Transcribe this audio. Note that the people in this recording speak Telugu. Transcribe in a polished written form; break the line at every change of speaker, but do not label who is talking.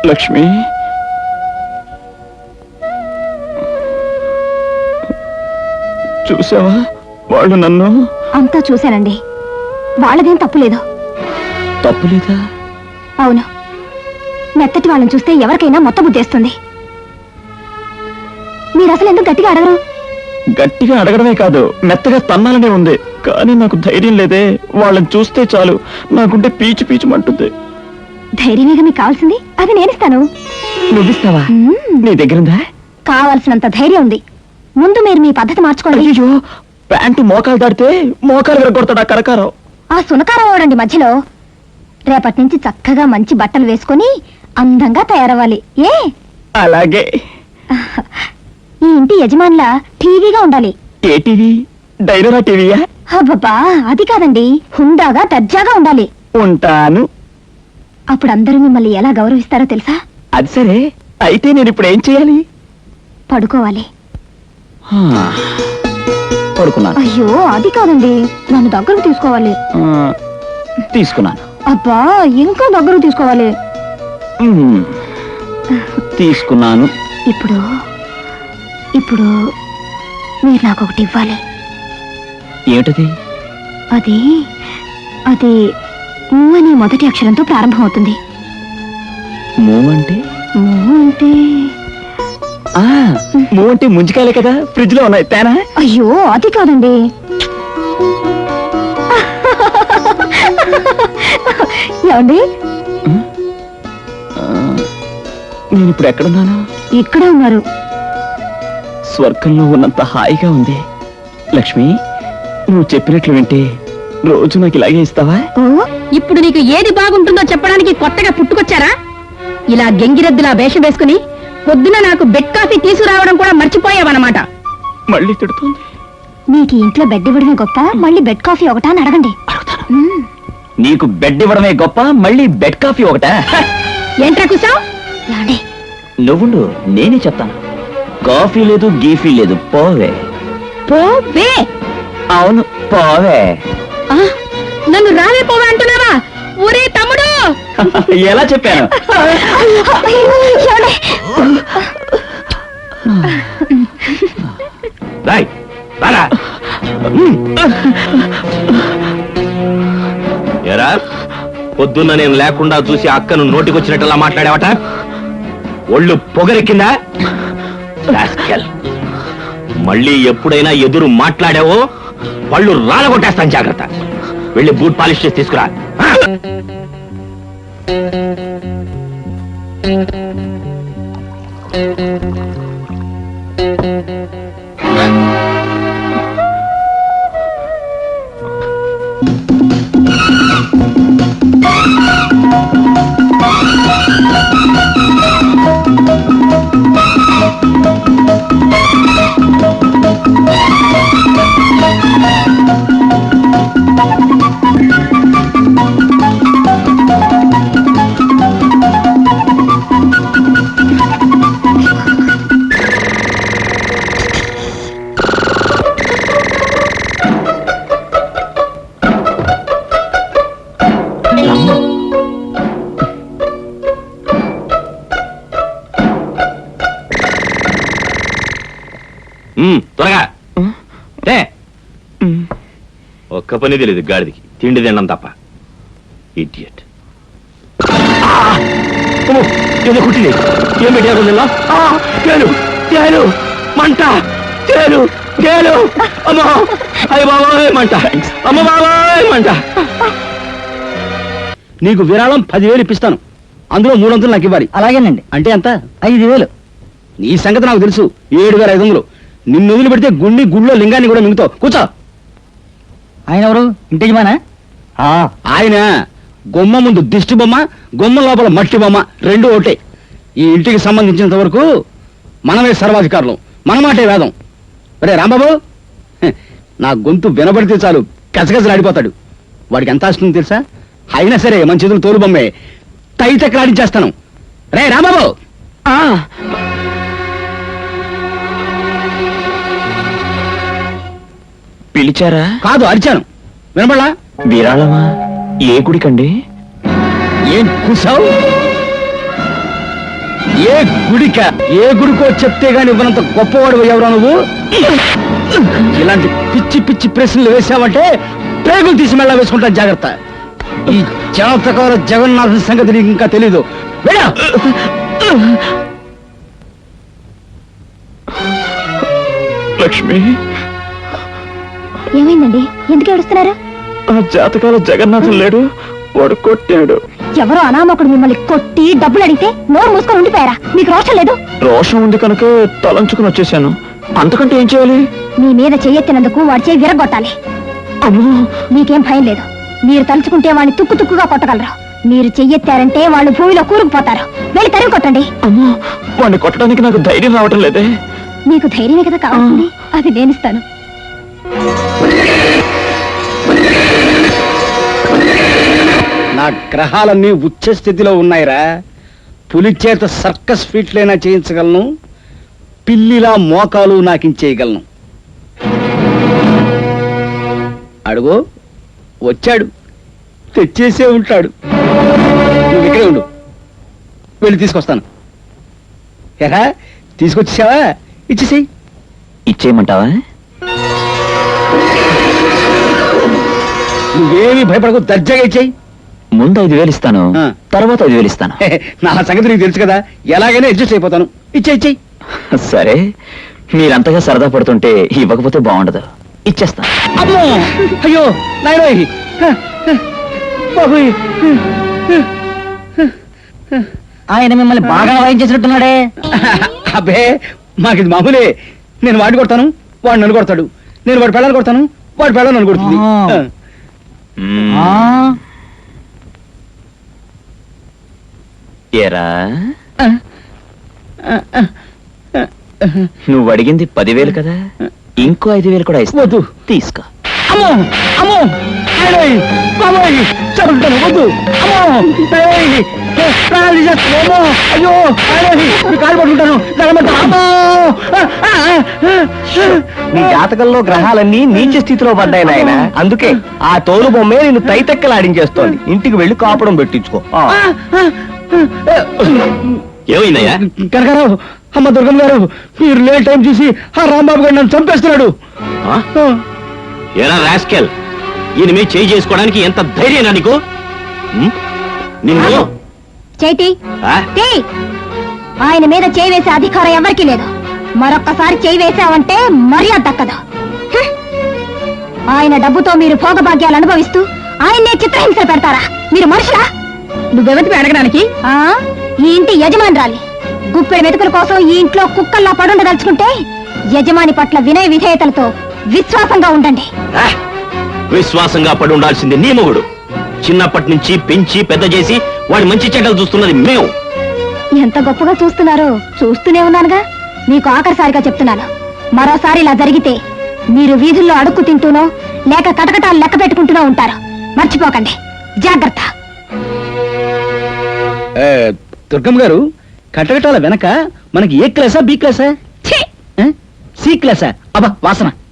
లక్ష్మి, చూసావా వాళ్ళు నన్ను?
అంతా చూశానండి, వాళ్ళదేం తప్పులేదు.
తప్పులేదా?
అవును, మెత్తటి వాళ్ళని చూస్తే ఎవరికైనా మొత్తం బుద్ధేస్తుంది. మీరు అసలు ఎందుకు గట్టిగా అడగరు?
గట్టిగా అడగడమే కాదు, మెత్తగా తన్నాలనే ఉంది. కానీ నాకు ధైర్యం లేదే. వాళ్ళని చూస్తే చాలు నాకుంటే పీచు పీచుమంటుంది.
ధైర్యమేగా మీకు కావాల్సింది, అది నేనిస్తాను.
నువ్విస్తావా? నీ దగ్గరుందా?
కావాల్సినంత ధైర్యం ఉంది. ముందు మీరు మీ పద్ధతి మార్చుకోండి.
అయ్యో, ప్యాంటు మోకాలు దాడితే మోకాలు విరగొడతాడా కరకారం?
ఆ సునకారం అవడండి మధ్యలో. రేపటి నుంచి చక్కగా మంచి బట్టలు వేసుకుని అందంగా తయారవ్వాలి. ఏ
అలాగే.
ఈ ఇంటి యజమానులా టీవీగా ఉండాలి.
ఏ టీవీ? డైనోరా టీవీయా?
అబ్బబ్బా, అది కాదండి, హుందాగా దర్జాగా ఉండాలి.
ఉంటాను.
అప్పుడు అందరూ మిమ్మల్ని ఎలా గౌరవిస్తారో తెలుసా?
అది సరే, అయితే నేను ఇప్పుడు ఏం చేయాలి?
పడుకోవాలి.
పడుకున్నాను.
అయ్యో, అది కాదండి, నన్ను దగ్గరకు తీసుకోవాలి.
తీసుకున్నాను.
అబ్బా, ఇంకా దగ్గరకు తీసుకోవాలి.
తీసుకున్నాను.
ఇప్పుడు ఇప్పుడు మీరు నాకు ఒకటి ఇవ్వాలి.
ఏమిటది?
అది అది ఊ అనే మొదటి అక్షరంతో ప్రారంభమవుతుంది.
మూవ్ అంటే?
మూవ్ అంటే
మూవ్ అంటే ముంజికాయలే కదా, ఫ్రిడ్జ్ లో ఉన్నాయి. తేనా?
అయ్యో, అది కాదండి. ఏమండి,
నేను ఇప్పుడు ఎక్కడున్నాను?
ఇక్కడే ఉన్నారు.
స్వర్గంలో ఉన్నంత హాయిగా ఉంది. లక్ష్మి, నువ్వు చెప్పినట్లు వింటే రోజు నాకు ఇలాగే ఇస్తావా?
ఇప్పుడు నీకు ఏది బాగుంటుందో చెప్పడానికి కొత్తగా పుట్టుకొచ్చారా? ఇలా గెంగిరెద్దులా వేషం వేసుకుని పొద్దున నాకు బెడ్ కాఫీ తీసుకురావడం కూడా మర్చిపోయావన్నమాట.
మళ్ళీ తిడుతుంది.
మీకు ఇంట్లో బెడ్ ఇవ్వడమే గొప్ప, మళ్ళీ బెడ్ కాఫీ ఒకటా అని అడగండి.
నీకు బెడ్ ఇవ్వడమే గొప్ప, మళ్ళీ బెడ్ కాఫీ ఒకటా?
ఏంట్రా కూసావ్?
ఏమండి,
నువ్వుండు, నేనే చెప్తాను. కాఫీ లేదు, గీఫీ లేదు, పోవే.
పోవే?
అవును, పోవే.
నన్ను రావే పోవే అంటున్నావా? ఒరే తమ్ముడు!
ఎలా చెప్పాను?
ఎరా, పొద్దున్న నేను లేకుండా చూసి అక్కను నోటికొచ్చినట్టులా మాట్లాడావట? ఒళ్ళు పొగరెక్కిందా? మళ్ళీ ఎప్పుడైనా ఎదురు మాట్లాడావో పళ్ళు రాలగొట్టేస్తాను, జాగ్రత్త. వెళ్ళి బూట్ పాలిష్ చేసి తీసుకురా. త్వరగా ఒక్క పని తెలియదు గాడిదికి, తిండి తినడం తప్ప. ఇడియట్.
ఏదో కుట్టింది. ఏం పెట్టారు? తేలు, తేలు, మంట, తేలు, తేలు. అమ్మా, అయ్య బాబాయ్ మంట, అమ్మ బాబాయ్ మంట.
నీకు విరాళం 10,000 ఇప్పిస్తాను, అందులో 300 నాకు ఇవ్వాలి.
అలాగేనండి.
అంటే ఎంత?
5,000.
నీ సంగతి నాకు తెలుసు. 7,500. నిన్ను వదిలి పెడితే గుళ్ళో లింగాన్ని కూడా మింగుతావు. కూర్చో.
ఆయన ఎవరు? ఇంటి యజమానా?
ఆయన గుమ్మ ముందు దిష్టి బొమ్మ, గుమ్మ లోపల మట్టి బొమ్మ, రెండు ఒకటే. ఈ ఇంటికి సంబంధించినంత వరకు మనమే సర్వాధికారులు, మన మాటే వేదం. రే రాంబాబు, నా గొంతు వినబడితే చాలు గజగజలాడిపోతాడు. వాడికి ఎంత ఆస్తుందో తెలుసా? అయినా సరే మన చేతులు తోలు బొమ్మే, తైతెక్కలాడించేస్తాను. రే రాంబాబు.
పిలిచారా?
కాదు, అరిచాను. వినబడలా?
విరాళమా? ఏ గుడికండి?
ఏం కూసావు? ఏ గుడిక ఏ గుడికో చెప్తే గాని ఇవ్వనంత గొప్పవాడు ఎవరా నువ్వు? ఇలాంటి పిచ్చి పిచ్చి ప్రశ్నలు వేసావంటే పేగులు తీసి మెళ్ళ వేసుకుంటాను, జాగ్రత్త. ఈ జాతకాల జగన్నాథ సంగతి నీకు ఇంకా తెలీదు. వెళ్ళా.
లక్ష్మి,
ఏమైందండి? ఎందుకు ఏడుస్తున్నారు?
ఆ జాతకాల జగన్నాథం లేడు, వాడు కొట్టాడు.
ఎవరో అనామకుడు మిమ్మల్ని కొట్టి డబ్బులు అడిగితే నోరు మూసుకొని ఉండిపోయారా? మీకు రోషం లేదు?
రోషం ఉంది కనుక తలంచుకుని వచ్చేసాను. అంతకంటే ఏం చేయాలి?
మీ మీద చెయ్యెత్తినందుకు వాడి చేయి విరగొట్టాలి.
అమ్మో,
మీకేం భయం లేదు. మీరు తలుచుకుంటే వాడిని తుక్కు తుక్కుగా కొట్టగలరు. మీరు చెయ్యెత్తారంటే వాళ్ళు భూమిలో కూరుకుపోతారు. వెళ్ళి తరిమి కొట్టండి.
అమ్మో, వాడిని కొట్టడానికి నాకు ధైర్యం రావటం లేదే.
మీకు ధైర్యమే కదా కావాల్సింది, అది నేనిస్తాను.
నా గ్రహాలన్నీ ఉచ్చ స్థితిలో ఉన్నాయిరా. పులి చేత సర్కస్ ఫీట్లైనా చేయించగలను, పిల్లిలా మోకాలు నాకించేయగలను. అడుగు వచ్చాడు, తెచ్చేసే ఉంటాడు. నువ్వు ఇక్కడే ఉండు, వెళ్ళి తీసుకొస్తాను. ఎరా తీసుకొచ్చేసావా? ఇచ్చేసేయి.
ఇచ్చేయమంటావా?
నువ్వేమీ భయపడకు, దర్జాగా ఇచ్చేయి.
ముందు 5,000 ఇస్తాను,
ఆ.
తర్వాత 5,000 ఇస్తాను.
నా సంగతి నీకు తెలుసు కదా, ఎలాగైనా అడ్జస్ట్ అయిపోతాను. ఇచ్చేయి.
సరే, మీరంతగా సరదా పడుతుంటే ఇవ్వకపోతే బాగుండదు. ఇచ్చేస్తా.
అమ్మో, అయ్యో నాయనోయ్, బాబోయ్.
ఆయన మిమ్మల్ని బాగా వాయించేసినట్టున్నాడే.
అబ్బే, మాకిది మామూలే. నేను వాడిని కొడతాను, వాడు నన్ను కొడతాడు. నేను వాడి పెళ్ళాన్ని కొడతాను, వాడి పెళ్ళాన్ని నన్ను కొడుతుంది.
ఆ.
మ్మ్.
ఆ,
ఏరా, నువ్వు అడిగింది 10,000 కదా, ఇంకో 5,000 కూడా ఇస్తా.
వద్దు.
తీసుకో.
అమ్మో అమ్మో, నాయనోయ్, బాబోయ్, చదువుతాను, వద్దు. అమ్మో, ఏయ్, ప్రాణాలు తీసేస్తాను. అమ్మో, అయ్యో, నాయనోయ్, మీ కాలు పట్టుకుంటాను, దండం. అమ్మో,
నీ జాతకంలో గ్రహాలన్నీ నీచ స్థితిలో పడ్డాయి నాయన. అందుకే ఆ తోలు బొమ్మే నిన్ను తైతెక్కలాడించేస్తోంది. ఇంటికి వెళ్ళి కాపురం పెట్టించుకో.
ఏమైందయ్యా?
కనకారావు, అమ్మ దుర్గమ్మ గారు, మీరు లేట్ టైం చూసి ఆ రాంబాబు గారు నన్ను చంపేస్తున్నాడు.
ఆ? ఎరా రాస్కెల్, ఈయన మీద చేయి చేసుకోవడానికి ఎంత ధైర్యనా నీకు? ఉమ్? నిన్ను
చేతి
ఆ?
ఆయన మీద చేయి వేసే అధికారం ఎవరికీ లేదు. మరొక్కసారి చేయి వేసావంటే మర్యాద దక్కదు. హ్మ్. ఆయన డబ్బుతో మీరు భోగభాగ్యాలు అనుభవిస్తూ ఆయన్నే చిత్రహింస పెడతారా? మీరు మనుషులా?
నువ్వెవతివి అడగడానికి?
ఆ ఈ ఇంటి యజమానురాలి. గుప్పెడు మెతుకుల కోసం ఈ ఇంట్లో కుక్కల్లా పడుండదలుచుకుంటే యజమాని పట్ల వినయ విధేయతలతో విశ్వాసంగా ఉండండి.
ఆ? విశ్వాసంగా పడి ఉండాల్సింది నీ మొగుడు. చిన్నప్పటి నుంచి పెంచి పెద్ద చేసి వాడి మంచి చెడ్డలు చూస్తున్నది మేము.
ఎంత గొప్పగా చూస్తున్నారో చూస్తూనే ఉన్నానుగా. మీకు ఆఖరిసారిగా చెప్తున్నాను, మరోసారి ఇలా జరిగితే మీరు వీధుల్లో అడుక్కు తింటూనో లేక కటకటాలు లెక్క పెట్టుకుంటూనో ఉంటారు. మర్చిపోకండి, జాగ్రత్త.
దుర్గమ్మ గారు, కటకటాల వెనక మనకి ఏ క్లాసా, బి క్లాసా, సి క్లాసా? అబ్బా వాసన.